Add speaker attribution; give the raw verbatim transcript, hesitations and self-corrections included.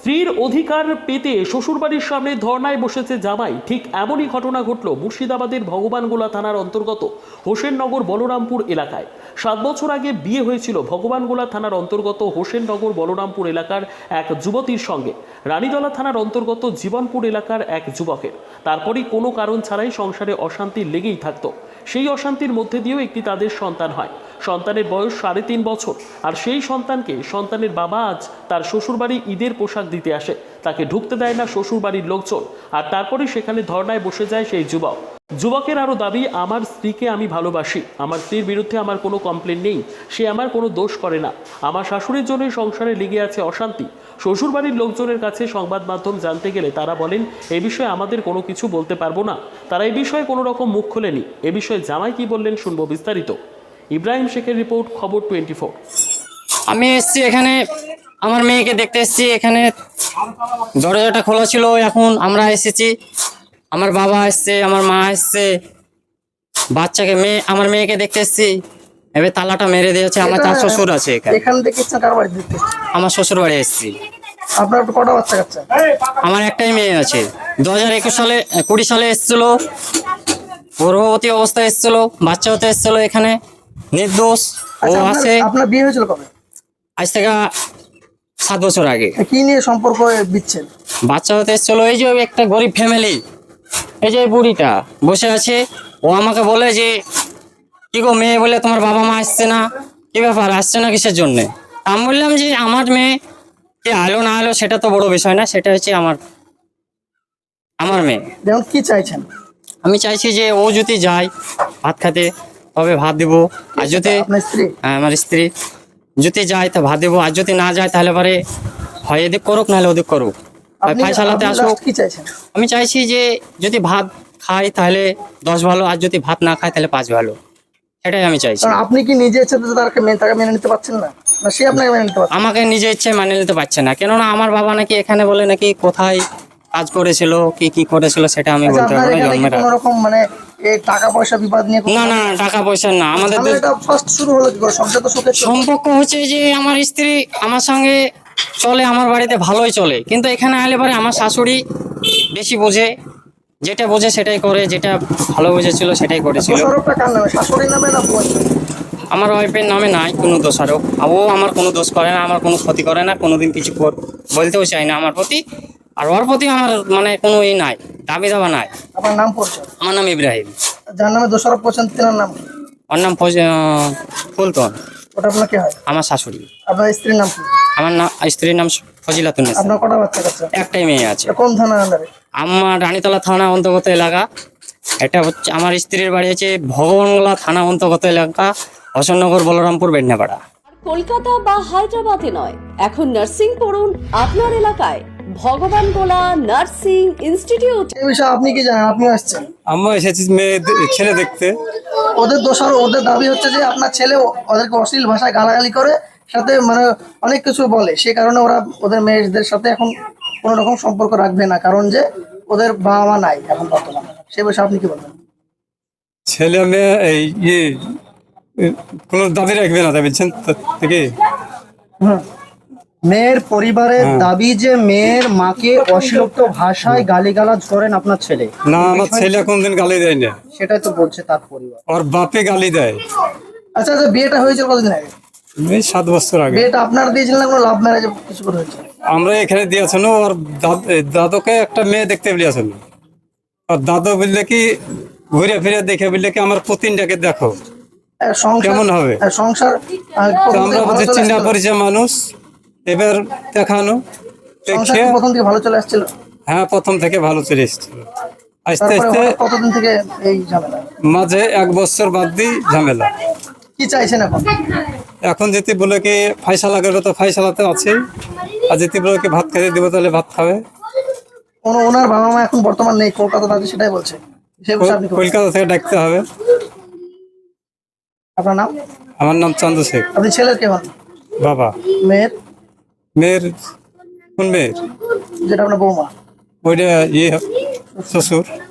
Speaker 1: স্ত্রীর অধিকার পেতে শ্বশুরবাড়ির সামনে ধর্নায় বসেছে জামাই। ঠিক এমনই ঘটনা ঘটল মুর্শিদাবাদের ভগবানগোলা থানার অন্তর্গত হোসেননগর বলরামপুর এলাকায়। সাত বছর আগে বিয়ে হয়েছিল ভগবানগোলা থানার অন্তর্গত হোসেননগর বলরামপুর এলাকার এক যুবতীর সঙ্গে রানীতলা থানার অন্তর্গত জীবনপুর এলাকার এক যুবকের। তারপরই কোনো কারণ ছাড়াই সংসারে অশান্তি লেগেই থাকতো। সেই অশান্তির মধ্যে দিয়েও একটি তাদের সন্তান হয়। সন্তানের বয়স সাড়ে তিন বছর। আর সেই সন্তানকে সন্তানের বাবা আজ তার শ্বশুরবাড়ি ঈদের পোশাক দিতে আসে। তাকে ঢুকতে দেয় না শ্বশুরবাড়ির লোকজন। আর তারপরে সেখানে ধর্নায় বসে যায় সেই যুবক। যুবকের আরও দাবি, আমার স্ত্রীকে আমি ভালোবাসি, আমার স্ত্রীর বিরুদ্ধে আমার কোনো কমপ্লেন নেই, সে আমার কোনো দোষ করে না, আমার শাশুড়ির জন্যই সংসারে লেগে আছে অশান্তি। শ্বশুরবাড়ির লোকজনের কাছে সংবাদ মাধ্যম জানতে গেলে তারা বলেন এ বিষয়ে আমাদের কোনো কিছু বলতে পারবো না। তারা এ বিষয়ে কোনো রকম মুখ খোলেনি। এ বিষয়ে জামাই কি বললেন শুনবো বিস্তারিত। ইব্রাহিম শেখের রিপোর্ট, খবর টোয়েন্টি ফোর।
Speaker 2: আমি এসেছি এখানে আমার মেয়েকে দেখতে এসেছি। এখানে দরজাটা খোলা ছিল, এখন আমরা এসেছি। আমার বাবা এসছে, আমার মা এসছে, বাচ্চাকে মেয়ে আমার মেয়েকে দেখতে এসেছি। এবার তালাটা মেরে দিয়েছে। আমার চার শ্বশুর আছে এখানে।
Speaker 3: এখান থেকে কার বাড়ি দেখতে?
Speaker 2: আমার শ্বশুর বাড়ি এসেছি।
Speaker 3: আপনার কটা বাচ্চা কাচ্চা?
Speaker 2: আমার একটাই মেয়ে আছে। দু হাজার একুশ সালে কুড়ি সালে এসেছিল, গর্ভবতী অবস্থায় এসেছিল, বাচ্চা হতে এসেছিল এখানে, নির্দোষ ও আছে।
Speaker 3: আপনার বিয়ে হয়েছিল কবে?
Speaker 2: আজ থেকে সাত বছর আগে।
Speaker 3: কি নিয়ে সম্পর্ক বিচ্ছেদ?
Speaker 2: বাচ্চা হতে এসেছিল। এই যে একটা গরিব ফ্যামিলি, এই যে বুড়িটা বসে আছে, ও আমাকে বলে যে কি গো মেয়ে, বলে তোমার বাবা মা আসছে না, কি ব্যাপার আসছে না কিসের জন্যে? আমি বললাম যে আমার মেয়ে কে আলো না আলো সেটা তো বড় বিষয় না, সেটা হচ্ছে আমার আমার মেয়ে।
Speaker 3: যেমন কি চাইছেন?
Speaker 2: আমি চাইছি যে ও যদি যায় ভাত খেতে তবে ভাত দেবো, আর যদি
Speaker 3: আপনার স্ত্রী?
Speaker 2: হ্যাঁ আমার স্ত্রী যদি যায় তা ভাত দেবো, আর যদি না যায় তাহলে পরে হয় এদিক করুক নাহলে ওদিক করুক,
Speaker 3: আপনি
Speaker 2: ফাইসালাতে
Speaker 3: আপনি
Speaker 2: আসুক।
Speaker 3: last কি চাইছেন?
Speaker 2: আমি চাইছি যে যদি ভাত খায় তাহলে দশ ভালো, আর যদি ভাত না খায় তাহলে পাঁচ ভালো, সেটাই আমি চাইছি।
Speaker 3: কারণ আপনি কি নিজে ইচ্ছে তাকে মেনে তাকে মেনে নিতে পারছেন না, না সে আপনাকে মেনে নিতে পারছে?
Speaker 2: আমাকে নিজে ইচ্ছে মানে নিতে পারছে না, কেননা আমার বাবা নাকি এখানে বলে নাকি কোথায় কাজ করেছিল কি কি করেছিল সেটা আমি
Speaker 3: আচ্ছা,
Speaker 2: বলতে
Speaker 3: আপনার
Speaker 2: পারবো না।
Speaker 3: এখানে কি
Speaker 2: জন্মের
Speaker 3: কোনো রকম মানে এই টাকা পয়সা বিবাদ নিয়ে কোনো-
Speaker 2: না না টাকা পয়সা না, আমাদের
Speaker 3: তাহলে এটা ফার্স্ট শুরু হলো কি করে? সংসার তো সুখের ছিল।
Speaker 2: সম্পর্ক হচ্ছে যে আমার স্ত্রী আমার সঙ্গে চলে, আমার বাড়িতে ভালোই চলে, কিন্তু এখানে আলে পরে আমার শাশুড়ি বেশি বোঝে, যেটা বোঝে সেটাই করে, যেটা ভালো বুঝেছিল সেটাই করেছিল।
Speaker 3: দোষারোপটা কার নামে? শাশুড়ির নামে না বউয়ের নামে?
Speaker 2: আমার ওয়াইফের নামে নাই কোনো দোষারোপ। ও আমার কোনো দোষ করে না, আমার কোনো ক্ষতি করে না, কোনোদিন কিছু কর- বলতেও চাই না আমার প্রতি। আর ওর প্রতি আমার মানে কোনো ই নাই, দাবি দাবা নাই।
Speaker 3: আপনার নাম পরিচয়?
Speaker 2: আমার নাম ইব্রাহিম।
Speaker 3: যার নামে দোষারোপ করছেন তিনার নাম কি?
Speaker 2: ওর নাম ফজ- আহ, ফুলতন।
Speaker 3: ওটা আপনার কি হয়?
Speaker 2: আমার শাশুড়ি।
Speaker 3: আপনার স্ত্রীর নাম কি?
Speaker 2: আমার নাম স্ত্রীর নাম ফজিলাতুন্নেসা।
Speaker 3: আপনার কটা বাচ্চা কাচ্চা?
Speaker 2: একটাই মেয়ে আছে।
Speaker 3: এটা কোন থানার আন্ডারে?
Speaker 2: আমার রানীতলা থানা অন্তর্গত এলাকা। এটা হচ্ছে আমার স্ত্রীর বাড়ি হচ্ছে ভগবানগোলা থানা অন্তর্গত এলাকা, হোসেননগর বলরামপুর বেডনাপাড়া।
Speaker 4: কলকাতা বা হায়দ্রাবাদে নয়, এখন নার্সিং পড়ুন আপনার এলাকায়। Bhagwangola nursing institute.
Speaker 3: এই বিষয়ে আপনি কি জানেন? আপনিও আসছেন।
Speaker 5: আমরা এসেছি মেয়ে দে- ছেলে দেখতে।
Speaker 3: ওদের দোষার ওদের দাবি হচ্ছে যে আপনার ছেলে ওদেরকে অশ্লীল ভাষায় গালাগালি করে, সাথে মানে অনেক কিছু বলে, সেই কারণে ওরা ওদের মেয়েদের সাথে এখন কোনো রকম সম্পর্ক রাখবে না, কারণ যে ওদের বাবা মা নাই এখন বর্তমানে। সে বিষয়ে আপনি কি বলবেন?
Speaker 5: ছেলে মেয়ে এই ইয়ে এ, কোনো দাবি রাখবে না, বলছেন থেকে।
Speaker 3: হুম।
Speaker 6: মেয়ের পরিবারের
Speaker 5: হ্যাঁ।
Speaker 6: দাবি যে মেয়ের মাকে অশ্লীল ভাষায় গালিগালাজ করেন আপনার ছেলে।
Speaker 5: না, আমার ছেলে কোনদিন গালি দেয় না,
Speaker 6: সেটাই তো বলছে তার পরিবার।
Speaker 5: ওর বাপে গালি দেয়।
Speaker 3: আচ্ছা আচ্ছা, বিয়েটা হয়েছিল কতদিন আগে?
Speaker 5: এই সাত বছর আগে।
Speaker 3: বিয়েটা আপনার দিয়েছিলেন না কোনো লাভ ম্যারেজ কিছু করে হয়েছে?
Speaker 5: আমরা এখানে দিয়েছেন, ওর দাদ- এ, দাদুকে একটা মেয়ে দেখতে বলিয়েছেন। আর দাদু বললে কি ঘুরে ফিরে দেখে বললে কি আমার পুতিনটাকে দেখো
Speaker 3: আর সংসার-
Speaker 5: কেমন হবে?
Speaker 3: আর সংসার আহ,
Speaker 5: তো
Speaker 3: প্রথম
Speaker 5: আমরা
Speaker 3: থেকে ভালো
Speaker 5: বলছি
Speaker 3: চলে
Speaker 5: চিন্তা
Speaker 3: আসছিল?
Speaker 5: পরিচয় মানুষ, এবার দেখানো
Speaker 3: সংসার
Speaker 5: দেখে।
Speaker 3: কি প্রথম থেকে ভালো চলে আসছিল?
Speaker 5: হ্যাঁ, প্রথম থেকে ভালো চলে এসেছিল। আস্তে
Speaker 3: তারপরে
Speaker 5: আস্তে
Speaker 3: হঠাৎ কতদিন থেকে এই ঝামেলা?
Speaker 5: মাঝে এক বছর বাদ দিই ঝামেলা।
Speaker 3: কি চাইছেন এখন?
Speaker 5: এখন যদি বলে কি ফাইসালা করবে তো ফাইসালাতে আছে, আর যদি বলে কি ভাত খেতে দিব তাহলে ভাত খাবে।
Speaker 3: কোনো ওনার বাবা মা এখন বর্তমান নেই, কলকাতা আছে, সেটাই বলছে। সে বিষয়ে আপনি কি বলবেন?
Speaker 5: কলকাতা থেকে ডাকতে হবে।
Speaker 3: আপনার নাম?
Speaker 5: আমার নাম চান্দু শেখ।
Speaker 3: আপনি ছেলের কে হন?
Speaker 5: বাবা।
Speaker 3: মেয়ের?
Speaker 5: মেয়ের কোন মেয়ের?
Speaker 3: যেটা আপনার বৌমা।
Speaker 5: ওইটা ইয়ে শ্বশুর।